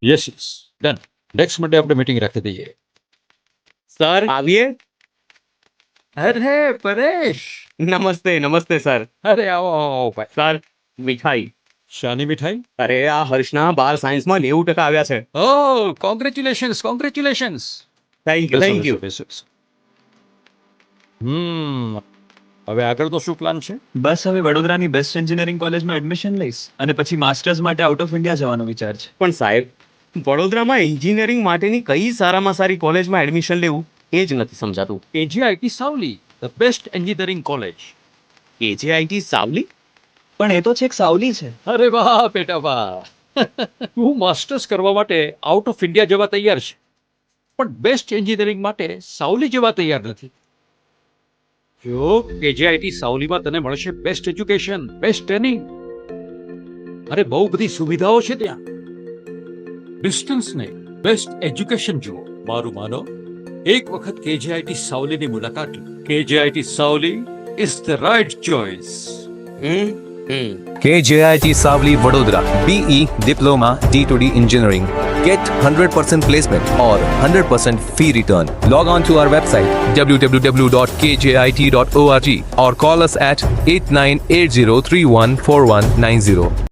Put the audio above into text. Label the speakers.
Speaker 1: Yes yes done. Next Monday આપણે meeting રાખી દઈએ.
Speaker 2: Sir આવીએ.
Speaker 1: અરે પરેશ,
Speaker 2: નમસ્તે નમસ્તે સર.
Speaker 1: અરે આવો આવો આવો ભાઈ.
Speaker 2: સર મીઠાઈ.
Speaker 1: શાની મીઠાઈ?
Speaker 2: અરે આ હર્ષના 12 સાયન્સમાં 90% આવ્યા છે.
Speaker 1: ઓ congratulations congratulations.
Speaker 2: Thank you thank you.
Speaker 1: હવે આગળનો શું પ્લાન છે?
Speaker 3: બસ હવે વડોદરાની બેસ્ટ એન્જિનિયરિંગ કોલેજમાં એડમિશન લઈશ અને પછી માસ્ટર્સ માટે આઉટ ઓફ ઇન્ડિયા જવાનો વિચાર છે.
Speaker 2: પણ સાહેબ વડોદરામાં એન્જિનિયરિંગ માટેની કઈ સારામાં સારી કોલેજમાં એડમિશન લેવું એ જ નથી સમજાતું.
Speaker 1: KJIT Savli, the best engineering college.
Speaker 2: KJIT Savli.
Speaker 3: પણ એ તો છેક સાવલી છે.
Speaker 1: અરે વાહ બેટા વાહ. તું માસ્ટર્સ કરવા માટે આઉટ ઓફ ઇન્ડિયા જવા તૈયાર છે, પણ બેસ્ટ એન્જિનિયરિંગ માટે સાવલી જવા તૈયાર નથી. જો KJIT સાવલીમાં તને મળશે બેસ્ટ એજ્યુકેશન, બેસ્ટ ટ્રેનિંગ, અરે બહુ બધી સુવિધાઓ છે ત્યાં. ડિસ્ટન્સ નહીં, બેસ્ટ એજ્યુકેશન જુઓ. મારું માનો, એક વખત KJIT સાવલીની મુલાકાત લો. KJIT Savli is the right choice.
Speaker 4: KJIT Savli Vadodara BE Diploma D2D Engineering. Get 100% placement or 100% fee return. Log on to our website www.kjit.org or call us at 8980314190.